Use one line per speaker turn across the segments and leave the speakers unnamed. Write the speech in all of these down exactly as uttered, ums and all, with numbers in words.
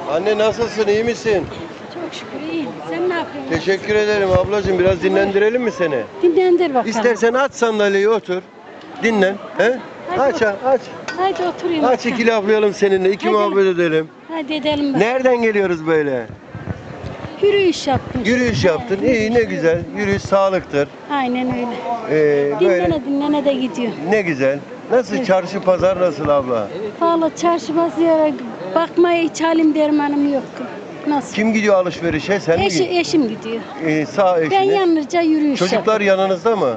Anne nasılsın, iyi misin?
Çok şükür iyiyim. Sen ne yapıyorsun?
Teşekkür ederim ablacığım. Biraz dinlendirelim mi seni?
Dinlendir bakalım.
İstersen aç sandalyeyi, otur. Dinlen. He?
Hadi
Aç,
bakalım.
aç.
Hadi oturayım.
Aç,
bakalım.
iki laflayalım seninle, iki
Hadi.
muhabbet edelim.
Hadi edelim bak.
Nereden geliyoruz böyle?
Yürüyüş yaptım.
Yürüyüş yaptın. İyi, ne güzel. Yürüyüş sağlıktır.
Aynen öyle.
Ee, böyle
Dinlene dinlene de gidiyor.
ne güzel. Nasıl, çarşı pazar nasıl abla?
Valla çarşı pazara bakmaya hiç halim dermanım yok. Nasıl?
Kim gidiyor alışverişe? Sen mi
Eşi,
gidiyorsun?
eşim gidiyor.
Ee, sağ eşiniz.
Ben yalnızca yürüyüş
Çocuklar
yapıyorum.
yanınızda mı?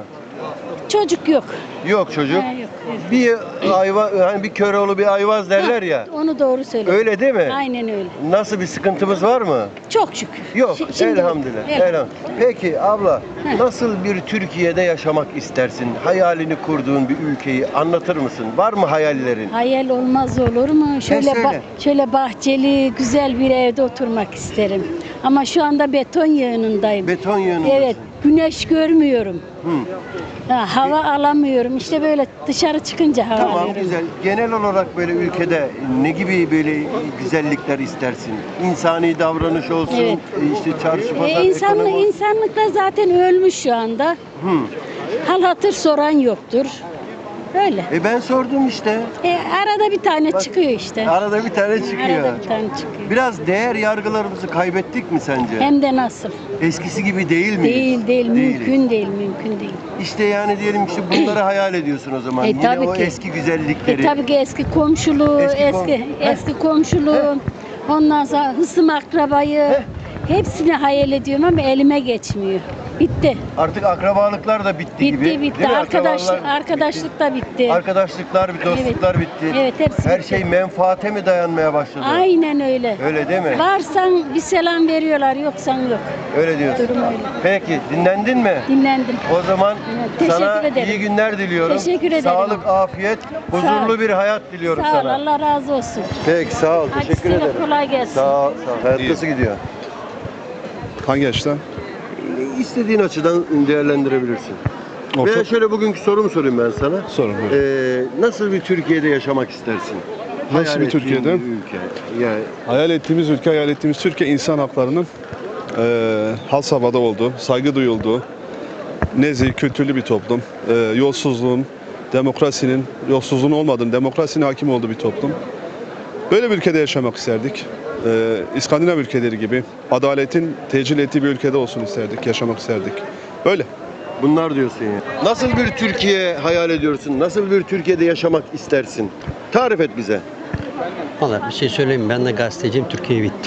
Çocuk yok.
Yok çocuk.
Ha, yok, evet.
Bir ayva, hani bir köroğlu bir ayvaz derler ya.
Onu doğru söylüyorsun.
Öyle değil mi?
Aynen öyle.
Nasıl, bir sıkıntımız var mı?
Çok şükür.
Yok.
Şi- şimdi-
elhamdülillah.
Evet.
elhamdülillah. Peki abla,
Heh.
nasıl bir Türkiye'de yaşamak istersin? Hayalini kurduğun bir ülkeyi anlatır mısın? Var mı hayallerin?
Hayal olmaz olur mu? Şöyle
söyle.
ba- şöyle bahçeli, güzel bir evde oturmak isterim. Ama şu anda beton yığınındayım.
Beton yığınındasın.
Evet, güneş görmüyorum.
Hı.
Ha, hava alamıyorum. İşte böyle dışarı çıkınca hava
Tamam,
alıyorum.
güzel. Genel olarak böyle ülkede ne gibi böyle güzellikler istersin? İnsani davranış olsun,
Evet.
işte çarşı pazar,
E, insanlık,
ekonomi olsun.
insanlık da zaten ölmüş şu anda.
Hı.
Hal hatır soran yoktur. Öyle.
E ben sordum işte.
E, arada bir tane
Bak,
çıkıyor işte.
Arada bir tane çıkıyor.
Arada bir tane çıkıyor.
Biraz değer yargılarımızı kaybettik mi sence?
Hem de nasıl?
Eskisi gibi değil mi?
Değil değil, mümkün değil, mümkün değil.
İşte yani diyelim işte bunları hayal ediyorsun o zaman.
E,
Yine
tabii
o
ki.
eski güzellikleri.
E tabii ki eski komşuluğu,
Eski
eski
kom-
eski, komşuluğu, ondan sonra hısım akrabayı, hepsini hayal ediyorum ama elime geçmiyor. Bitti.
Artık akrabalıklar da bitti, gibi.
Bitti, bitti.
Değil mi?
Arkadaş,
Akrabalar
arkadaşlık da
bitti.
bitti.
Arkadaşlıklar, dostluklar bitti.
Evet, hepsi
Her
bitti.
şey menfaate mi dayanmaya başladı?
Aynen öyle.
Öyle değil mi?
Varsan bir selam veriyorlar, yoksan yok.
Öyle diyorsun.
Durum öyle.
Peki, dinlendin mi?
Dinlendim.
O zaman
Evet, teşekkür
sana
ederim.
iyi günler diliyorum.
Teşekkür ederim.
Sağlık, afiyet, huzurlu
ol.
bir hayat diliyorum
Sağ ol,
sana.
Allah razı olsun.
Peki, sağ ol.
Hadi
Teşekkür
size
ederim.
kolay gelsin.
Sağ ol, sağ ol. Hayat nasıl gidiyor?
Hangi açıdan?
İstediğin açıdan değerlendirebilirsin.
Orta-
Veya şöyle bugünkü sorumu sorayım ben sana.
Sorun, buyurun.
Ee, nasıl bir Türkiye'de yaşamak istersin?
Nasıl
Hayal
bir
ettiğin
Türkiye'de?
bir ülke. Yani
Hayal ettiğimiz ülke, hayal ettiğimiz Türkiye insan haklarının eee has havada olduğu, saygı duyulduğu, nezih, kültürlü bir toplum. Eee, yolsuzluğun, demokrasinin, yolsuzluğun olmadığını, demokrasinin hakim olduğu bir toplum. Böyle bir ülkede yaşamak isterdik. Eee İskandinav ülkeleri gibi adaletin tecil ettiği bir ülkede olsun isterdik, yaşamak isterdik. Böyle.
bunlar diyorsun ya. Nasıl bir Türkiye hayal ediyorsun? Nasıl bir Türkiye'de yaşamak istersin? Tarif et bize.
Valla bir şey söyleyeyim mi? Ben de gazeteciyim. Türkiye bitti.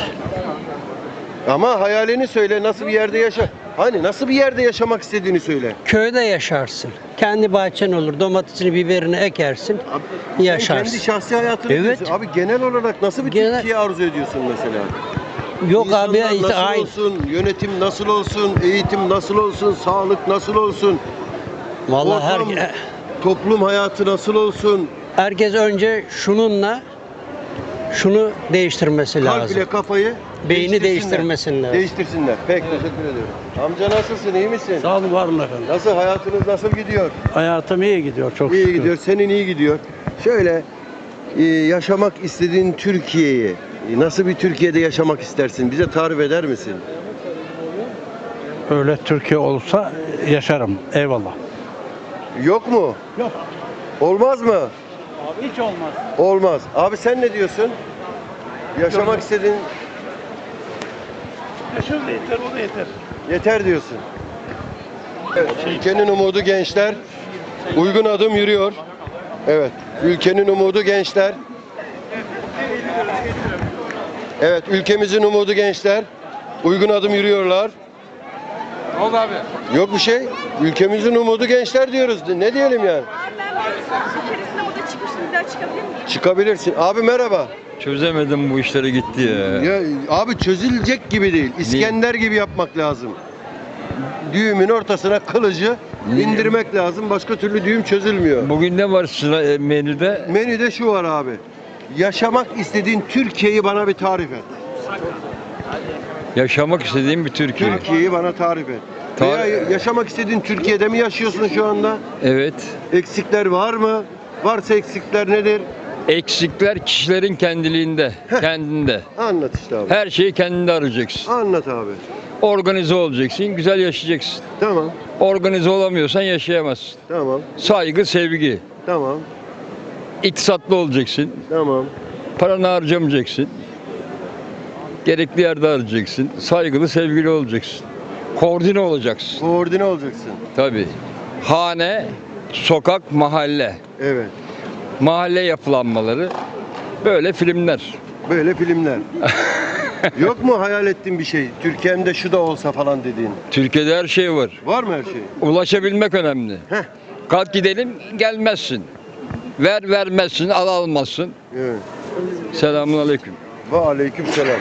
Ama hayalini söyle. Nasıl bir yerde yaşa? Hani nasıl bir yerde yaşamak istediğini söyle.
Köyde yaşarsın. Kendi bahçen olur. Domatesini, biberini ekersin.
Abi, sen
Yaşarsın.
kendi şahsi hayatını
Evet.
diyorsun. Abi genel olarak nasıl bir
Genel-
Türkiye arzu ediyorsun mesela?
Yok
İnsanlar
abi işte
nasıl
aynı.
olsun, yönetim nasıl olsun, eğitim nasıl olsun, sağlık nasıl olsun,
Vallahi
ortam,
her,
toplum hayatı nasıl olsun,
herkes önce şununla şunu değiştirmesi
kalp
lazım.
ile kafayı
Beyni
değiştirsinler.
değiştirmesinler.
Değiştirsinler. Pek teşekkür ediyorum. Amca nasılsın, iyi misin?
Sağ olun, var olun efendim.
Nasıl, hayatınız nasıl gidiyor?
Hayatım iyi gidiyor çok
İyi
şükür.
gidiyor, senin iyi gidiyor. Şöyle e, yaşamak istediğin Türkiye'yi, e, nasıl bir Türkiye'de yaşamak istersin? Bize tarif eder misin?
Öyle Türkiye olsa yaşarım. Eyvallah.
Yok mu?
Yok.
Olmaz mı?
Abi hiç olmaz.
Olmaz. Abi sen ne diyorsun? Yaşamak istediğin
Yaşar da yeter, o da yeter.
yeter diyorsun. Evet, ülkenin umudu gençler. Uygun adım yürüyor. Evet, ülkenin umudu gençler. Evet, ülkemizin umudu gençler. Uygun adım yürüyorlar.
Ne oldu abi?
Yok bir şey. Ülkemizin umudu gençler diyoruz. Ne diyelim yani?
İçerisinde o da çıkmıştı. Bir daha çıkabilir miyim?
Çıkabilirsin. Abi merhaba.
Çözemedim bu işleri gitti ya.
Ya abi çözülecek gibi değil. İskender gibi yapmak lazım. Düğümün ortasına kılıcı indirmek lazım. Başka türlü düğüm çözülmüyor.
Bugün ne var sıra e, menüde?
Menüde şu var abi. Yaşamak istediğin Türkiye'yi bana bir tarif et.
Yaşamak istediğim bir Türkiye.
Türkiye'yi bana tarif et.
Tar-
Veya yaşamak istediğin Türkiye'de mi yaşıyorsun şu anda?
Evet.
Eksikler var mı? Varsa eksikler nedir?
Eksikler kişilerin kendiliğinde, kendinde.
Anlat işte abi.
Her şeyi kendinde arayacaksın.
Anlat abi.
Organize olacaksın, güzel yaşayacaksın.
Tamam.
Organize olamıyorsan yaşayamazsın.
Tamam.
Saygı, sevgi.
Tamam.
İktisatlı olacaksın.
Tamam.
Paranı harcamayacaksın. Gerekli yerde harcayacaksın. Saygılı, sevgili olacaksın. Koordine olacaksın.
Koordine olacaksın.
Tabii. Hane, sokak, mahalle.
Evet.
Mahalle yapılanmaları. Böyle filmler.
Böyle filmler. Yok mu hayal ettiğin bir şey? Türkiye'mde şu da olsa falan dediğin.
Türkiye'de her şey var.
Var mı her şey?
Ulaşabilmek önemli.
Heh.
Kalk gidelim, gelmezsin. Ver vermezsin, al almazsın.
Evet.
Selamun aleyküm.
Ve aleyküm selam.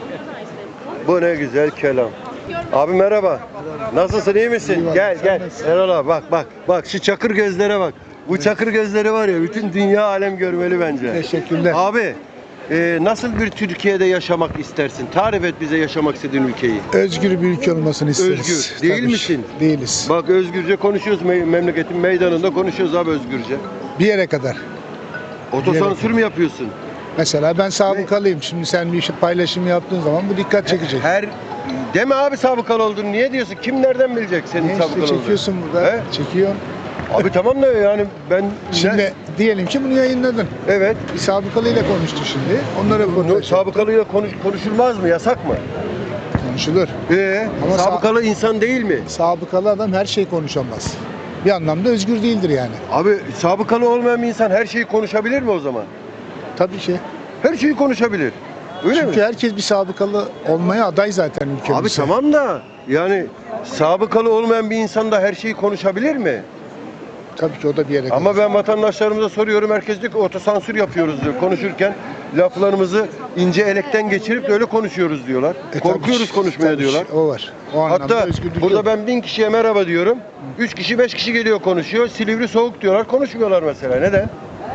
Bu ne güzel kelam. Abi merhaba. Nasılsın, iyi misin? Gel gel. Erol abi bak bak. Bak şu çakır gözlere bak. Bu çakır gözleri var ya, bütün dünya alem görmeli bence.
Teşekkürler.
Abi e, nasıl bir Türkiye'de yaşamak istersin? Tarif et bize yaşamak istediğin ülkeyi.
Özgür bir ülke olmasını isteriz.
Özgür. Değil
Tabii.
misin?
Değiliz.
Bak özgürce konuşuyoruz, me- memleketin meydanında konuşuyoruz abi özgürce.
Bir yere kadar.
Otosansür mü yapıyorsun?
Mesela ben sabıkalıyım. Şimdi sen bir şey paylaşım yaptığın zaman bu dikkat çekecek.
Her deme abi sabıkalı olduğunu. Niye diyorsun? Kim nereden bilecek senin
Ne
sabıkalı
işte
olduğunu?
çekiyorsun burada.
He?
Çekiyorsun.
Abi tamam da yani ben
Şimdi
ne-
diyelim ki bunu yayınladın.
evet.
Bir sabıkalıyla konuştu şimdi. Onlara
No,
röportaj
sabıkalıyla konuş, konuşulmaz mı? Yasak mı?
konuşulur.
Ee,
Ama
sabıkalı insan değil mi?
Sabıkalı adam her şeyi konuşamaz. Bir anlamda özgür değildir yani.
Abi sabıkalı olmayan bir insan her şeyi konuşabilir mi o zaman?
Tabii ki.
Her şeyi konuşabilir. Öyle
Çünkü
mi?
herkes bir sabıkalı olmaya aday zaten ülkemizde.
Abi tamam da yani sabıkalı olmayan bir insan da her şeyi konuşabilir mi?
Tabii ki o da bir yere kadar.
Ama ben vatandaşlarımıza soruyorum, herkes diyor ki otosansür yapıyoruz diyor. Konuşurken laflarımızı ince elekten geçirip öyle konuşuyoruz diyorlar.
E, tabii
Korkuyoruz
ki,
konuşmaya
tabii
diyorlar.
ki, O var. O anlamda
Hatta
özgürlük
burada
yok.
ben bin kişiye merhaba diyorum. Üç kişi beş kişi geliyor konuşuyor. Silivri soğuk diyorlar. Konuşmuyorlar mesela. Neden?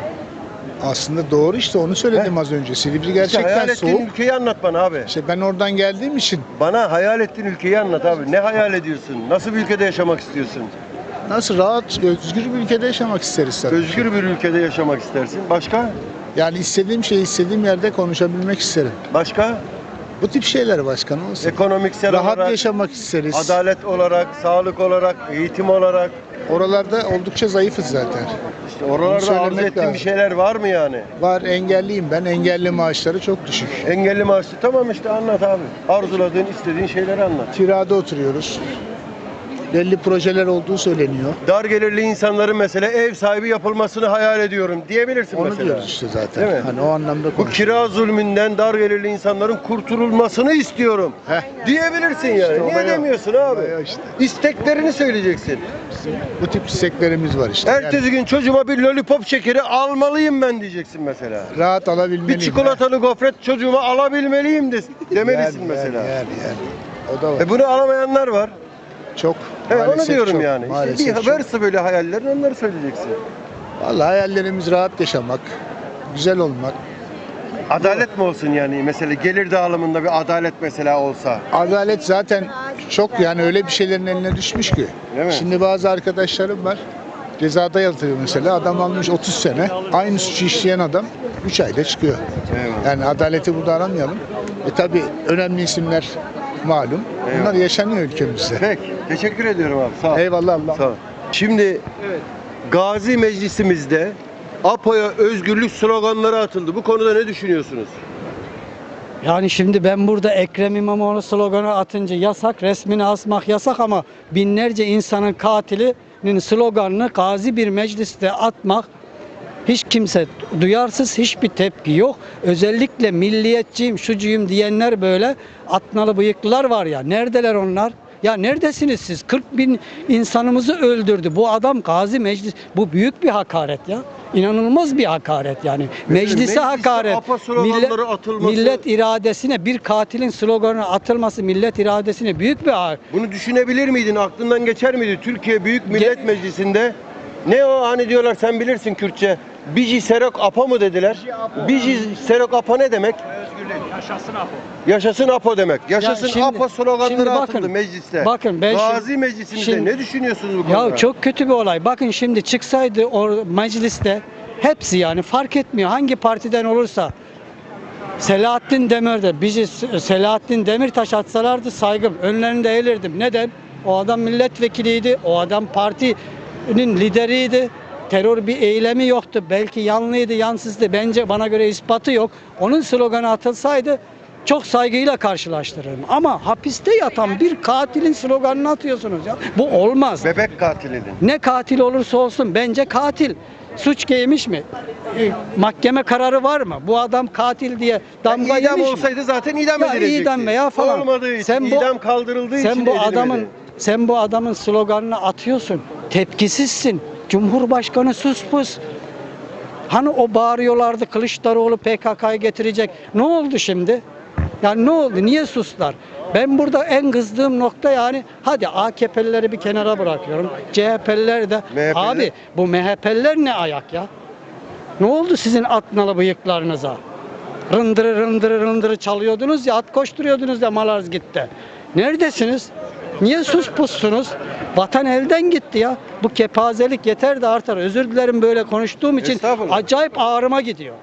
Aslında doğru işte onu söyledim
Heh.
az önce. Silivri
İşte
gerçekten
hayal ettiğin
soğuk.
ülkeyi anlat bana abi.
İşte ben oradan geldiğim için
Bana hayal ettiğin ülkeyi anlat abi. Ne hayal ediyorsun? Nasıl bir ülkede yaşamak istiyorsun?
nasıl rahat, özgür bir ülkede yaşamak isteriz tabii.
Özgür bir ülkede yaşamak istersin. Başka?
Yani istediğim şeyi istediğim yerde konuşabilmek isterim.
Başka?
Bu tip şeyler başkan olsun.
Ekonomiksel
Rahat
olarak,
yaşamak isteriz.
adalet olarak, sağlık olarak, eğitim olarak.
Oralarda oldukça zayıfız zaten.
İşte oralarda
söylemek
arzu ettiğin
lazım.
bir şeyler var mı yani?
Var, engelliyim ben. Engelli maaşları çok düşük.
Engelli maaşı. Tamam işte anlat abi. Arzuladığın, istediğin şeyleri anlat.
Kirada oturuyoruz. Belli projeler olduğu söyleniyor.
Dar gelirli insanların mesela ev sahibi yapılmasını hayal ediyorum diyebilirsin
Onu
mesela.
diyoruz işte zaten.
Değil mi?
Hani o anlamda
Bu
konuşuyoruz.
kira zulmünden dar gelirli insanların kurtulmasını istiyorum.
Heh.
Diyebilirsin yani.
İşte
Niye
olay o.
demiyorsun abi?
Olay o işte.
İsteklerini söyleyeceksin.
Bu tip isteklerimiz var işte.
Ertesi
Yani
gün çocuğuma bir lollipop şekeri almalıyım ben diyeceksin mesela.
rahat alabilmeliyim.
Bir çikolatalı gofret çocuğuma alabilmeliyim de demelisin
Yani,
mesela.
Yani, yani, yani. O da var.
E bunu alamayanlar var.
Çok.
He, onu
Maalesef
diyorum
çok,
yani. İşte
maalesef
bir
çok.
varsa böyle hayallerin onları söyleyeceksin.
Vallahi hayallerimiz rahat yaşamak, güzel olmak.
Adalet mi olsun yani? Mesela gelir dağılımında bir adalet mesela olsa.
Adalet zaten çok yani öyle bir şeylerin eline düşmüş ki.
Değil mi?
Şimdi bazı arkadaşlarım var. Cezada yatıyor mesela. Adam almış otuz sene. Aynı suçu işleyen adam üç ayda çıkıyor.
Eyvallah.
Yani adaleti burada aramayalım. E tabi önemli isimler malum. Bunlar
Eyvallah.
yaşanıyor ülkemizde.
Peki. Teşekkür ediyorum abi. Sağ ol.
Eyvallah Allah.
Sağ ol. Şimdi Gazi Meclisimizde APO'ya özgürlük sloganları atıldı. Bu konuda ne düşünüyorsunuz?
Yani şimdi ben burada Ekrem İmamoğlu sloganı atınca yasak, resmini asmak yasak ama binlerce insanın katilinin sloganını gazi bir mecliste atmak hiç kimse duyarsız, hiçbir tepki yok. Özellikle milliyetçiyim, şucuyum diyenler böyle atnalı bıyıklılar var ya. Neredeler onlar? Ya neredesiniz siz? kırk bin insanımızı öldürdü. Bu adam gazi meclis. Bu büyük bir hakaret ya. İnanılmaz bir hakaret yani. Meclise
mecliste
hakaret.
APA sloganları atılması-
millet iradesine bir katilin sloganı atılması millet iradesine büyük bir hakaret.
Bunu düşünebilir miydin? Aklından geçer miydi? Türkiye Büyük Millet
Ge-
Meclisi'nde ne o hani diyorlar sen bilirsin Kürtçe. Bici Serok Apa mı dediler? Bici Serok Apa ne demek?
Yaşasın Apo.
Yaşasın Apo demek. Yaşasın
şimdi-
Apo sloganları
şimdi bakın,
atıldı mecliste.
bakın ben
Gazi
şimdi-
Meclisi'nde
şimdi-
ne düşünüyorsunuz bu konuda?
Ya çok kötü bir olay. Bakın şimdi çıksaydı o mecliste Hepsi yani fark etmiyor hangi partiden olursa. Selahattin Demir'de bizi Selahattin Demirtaş atsalardı saygım. Önlerinde eğilirdim. Neden? O adam milletvekiliydi. O adam partinin lideriydi. Terör bir eylemi yoktu. Belki yanlıydı, yansızdı. Bence bana göre ispatı yok. Onun sloganı atılsaydı çok saygıyla karşılaştırırım. Ama hapiste yatan bir katilin sloganını atıyorsunuz ya. Bu olmaz.
Bebek katilinin.
Ne katil olursa olsun bence katil. Suç giymiş mi? E, mahkeme kararı var mı? Bu adam katil diye damga
idam
yemiş mi?
olsaydı zaten idam
Ya
edilecekti.
idam veya falan.
Olmadığı için,
Sen bu-
idam kaldırıldığı için
Sen bu
edilmedi.
adamın sen bu adamın sloganını atıyorsun. Tepkisizsin. Cumhurbaşkanı sus pus. Hani o bağırıyorlardı Kılıçdaroğlu P K K'yı getirecek. Ne oldu şimdi? Yani ne oldu? Niye sustular? Ben burada en kızdığım nokta yani hadi A K P'lileri bir kenara bırakıyorum. C H P'liler de
M H P'liler.
abi bu M H P'liler ne ayak ya? Ne oldu sizin atnalı bıyıklarınıza? Rındırı rındırı rındırı çalıyordunuz ya, at koşturuyordunuz ya Malazgirt'te. Neredesiniz? Niye sus pussunuz? Vatan elden gitti ya. Bu kepazelik yeter de artar. Özür dilerim böyle konuştuğum için
Estağfurullah.
acayip ağrıma gidiyor.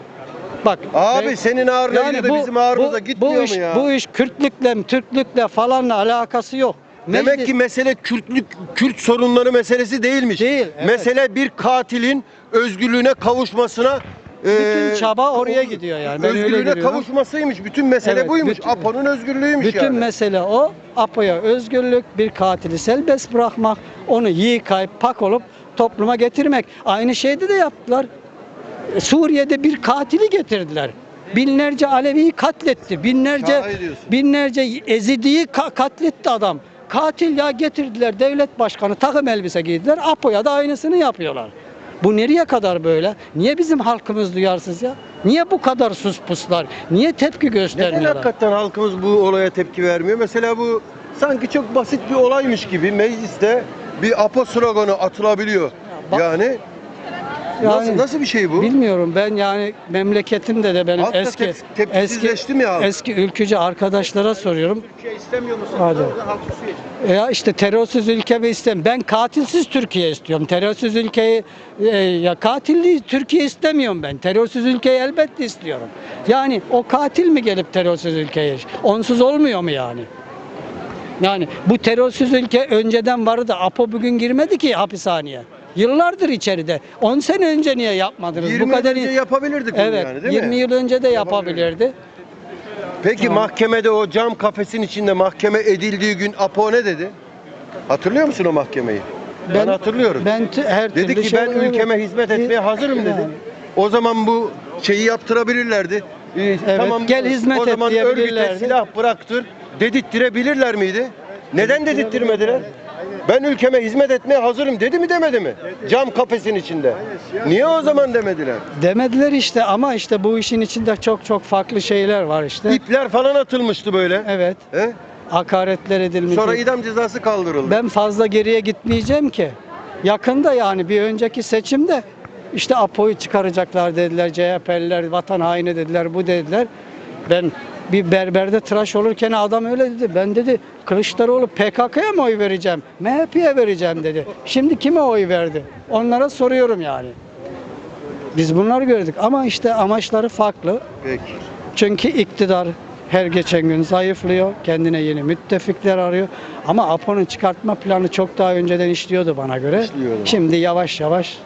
Bak
Abi
ben-
senin ağrına
yani
gidiyor da bizim ağrımıza gitmiyor
bu iş,
mu ya?
Bu iş Kürtlükle, Türklükle falanla alakası yok.
Demek
Meclis-
ki mesele Kürtlük, Kürt sorunları meselesi değilmiş.
Değil, evet.
Mesele bir katilin özgürlüğüne kavuşmasına
bütün
eee,
çaba oraya gidiyor yani. Ben öyle
özgürlüğüne
görüyorum.
kavuşmasıymış. Bütün mesele
Evet,
buymuş.
bütün-
APO'nun özgürlüğüymüş
Bütün
yani.
mesele o. APO'ya özgürlük, bir katili serbest bırakmak, onu yıkayıp pak olup topluma getirmek. Aynı şeyde de yaptılar. E, Suriye'de bir katili getirdiler. Binlerce Alevi'yi katletti. Binlerce
Şahit diyorsun.
binlerce Ezidi'yi ka- katletti adam. Katil ya getirdiler devlet başkanı takım elbise giydiler. APO'ya da aynısını yapıyorlar. Bu nereye kadar böyle? Niye bizim halkımız duyarsız ya? Niye bu kadar sus puslar? Niye tepki
Neden
göstermiyorlar?
hakikaten halkımız bu olaya tepki vermiyor? Mesela bu sanki çok basit bir olaymış gibi mecliste bir APO sloganı atılabiliyor.
bak-
yani nasıl,
Yani
nasıl bir şey bu?
Bilmiyorum ben yani memleketimde de benim
Halk da
eski
tep- tepkisizleşti mi halk?
eski ülkücü arkadaşlara soruyorum.
Türkiye istemiyor musun?
Hadi.
Halk susuyor.
Ya işte terörsüz ülke mi istem? Ben katilsiz Türkiye istiyorum. Terörsüz ülkeyi e, ya katilli Türkiye istemiyorum ben. Terörsüz ülkeyi elbette istiyorum. Yani o katil mi gelip terörsüz ülkeye? Onsuz olmuyor mu yani? Yani bu terörsüz ülke önceden vardı. APO bugün girmedi ki hapishaneye. Yıllardır içeride. on sene önce niye yapmadınız?
yirmi
bu kadar
önce yapabilirdik bunu
Evet,
yani değil
yirmi
mi?
yıl önce de yapabilirdi.
Peki mahkemede o cam kafesin içinde mahkeme edildiği gün APO ne dedi? Hatırlıyor musun o mahkemeyi? Ben, hatırlıyorum.
Ben t- her
dedi
türlü
ki
şey-
ben ülkeme hizmet etmeye hazırım dedi.
Yani.
O zaman bu şeyi yaptırabilirlerdi. Ee, tamam
gel hizmet
o
et
zaman örgüte
diyebilirlerdi.
silah bıraktır dedirttirebilirler miydi? Neden dedirttirmediler? Ben ülkeme hizmet etmeye hazırım dedi mi demedi mi? Cam kafesin içinde. Niye o zaman demediler?
Demediler işte ama işte bu işin içinde çok çok farklı şeyler var işte.
İpler falan atılmıştı böyle.
Evet.
He?
Hakaretler edilmiş.
Sonra idam cezası kaldırıldı.
Ben fazla geriye gitmeyeceğim ki. Yakında yani bir önceki seçimde işte APO'yu çıkaracaklar dediler. C H P'liler vatan haini dediler. Bu dediler. Ben bir berberde tıraş olurken adam öyle dedi. Ben dedi Kılıçdaroğlu P K K'ya mı oy vereceğim? M H P'ye vereceğim dedi. Şimdi kime oy verdi? Onlara soruyorum yani. Biz bunları gördük ama işte amaçları farklı.
Peki.
Çünkü iktidar her geçen gün zayıflıyor. Kendine yeni müttefikler arıyor. Ama APO'nun çıkartma planı çok daha önceden işliyordu bana göre.
İşliyordu.
Şimdi yavaş yavaş.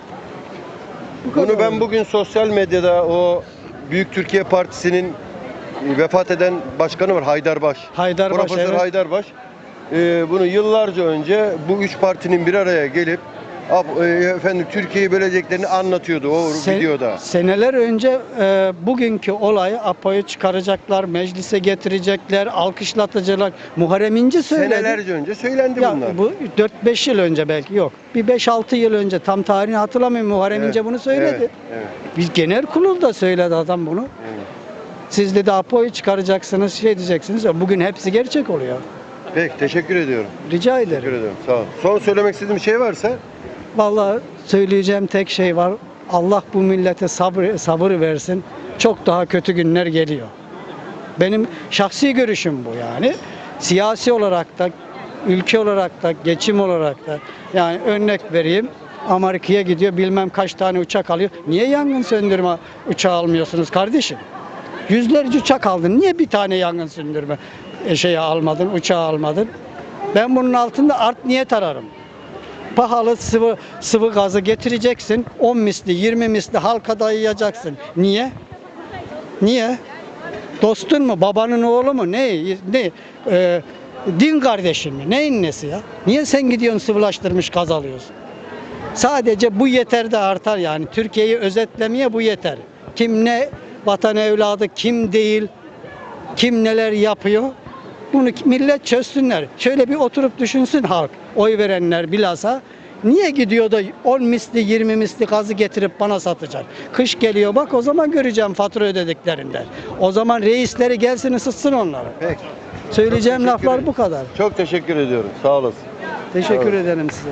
Bunu ben bugün sosyal medyada o Büyük Türkiye Partisi'nin vefat eden başkanı var Haydarbaş.
Haydarbaş,
Profesör
evet.
Haydarbaş. Ee, bunu yıllarca önce bu üç partinin bir araya gelip ab- e, efendim Türkiye'yi böleceklerini anlatıyordu o
Sen-
videoda.
Seneler önce e, bugünkü olayı APO'yu çıkaracaklar, meclise getirecekler, alkışlatacaklar. Muharrem İnce söyledi.
Senelerce önce söylendi
Ya
bunlar.
bu dört beş yıl önce belki yok. Bir beş altı yıl önce tam tarihini hatırlamıyorum. Muharrem
Evet,
İnce bunu söyledi.
Evet, evet,
Biz genel kurulda söyledi adam bunu.
evet.
Siz dedi APO'yu çıkaracaksınız, şey diyeceksiniz. Ya bugün hepsi gerçek oluyor.
Peki teşekkür ediyorum.
Rica
Teşekkür
ederim.
ederim. Sağ ol. Son söylemek istediğim bir şey varsa
Vallahi söyleyeceğim tek şey var. Allah bu millete sabır, sabır versin. Çok daha kötü günler geliyor. Benim şahsi görüşüm bu yani. Siyasi olarak da, ülke olarak da, geçim olarak da. Yani örnek vereyim. Amerika'ya gidiyor, bilmem kaç tane uçak alıyor. Niye yangın söndürme uçağı almıyorsunuz kardeşim? Yüzlerce uçak aldın. Niye bir tane yangın söndürme e, şeyi almadın, uçağı almadın? Ben bunun altında art niyet ararım. Pahalı sıvı sıvı gazı getireceksin. on misli, yirmi misli halka dayayacaksın. Niye? Niye? Dostun mu, babanın oğlu mu, ne, ne, e, din kardeşin mi, neyin nesi ya? Niye sen gidiyorsun sıvılaştırmış gaz alıyorsun? Sadece bu yeter de artar yani. Türkiye'yi özetlemeye bu yeter. Kim ne vatan evladı, kim değil, kim neler yapıyor, bunu millet çözsünler. Şöyle bir oturup düşünsün halk, oy verenler bilhassa. Niye gidiyor da on misli, yirmi misli gazı getirip bana satacak? Kış geliyor bak, o zaman göreceğim fatura ödediklerinden. O zaman reisleri gelsin ısıtsın onları.
Peki.
Söyleyeceğim
Çok teşekkür
laflar
ederim.
bu kadar.
Çok teşekkür ediyorum. Sağ olasın.
Teşekkür
Evet.
ederim size.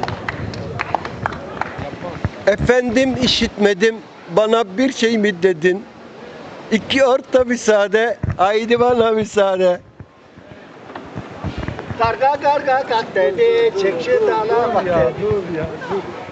Efendim işitmedim, bana bir şey mi dedin? İki orta müsaade, haydi bana müsaade.
Karga karga kalk dedi, çek şu dala bak dedi.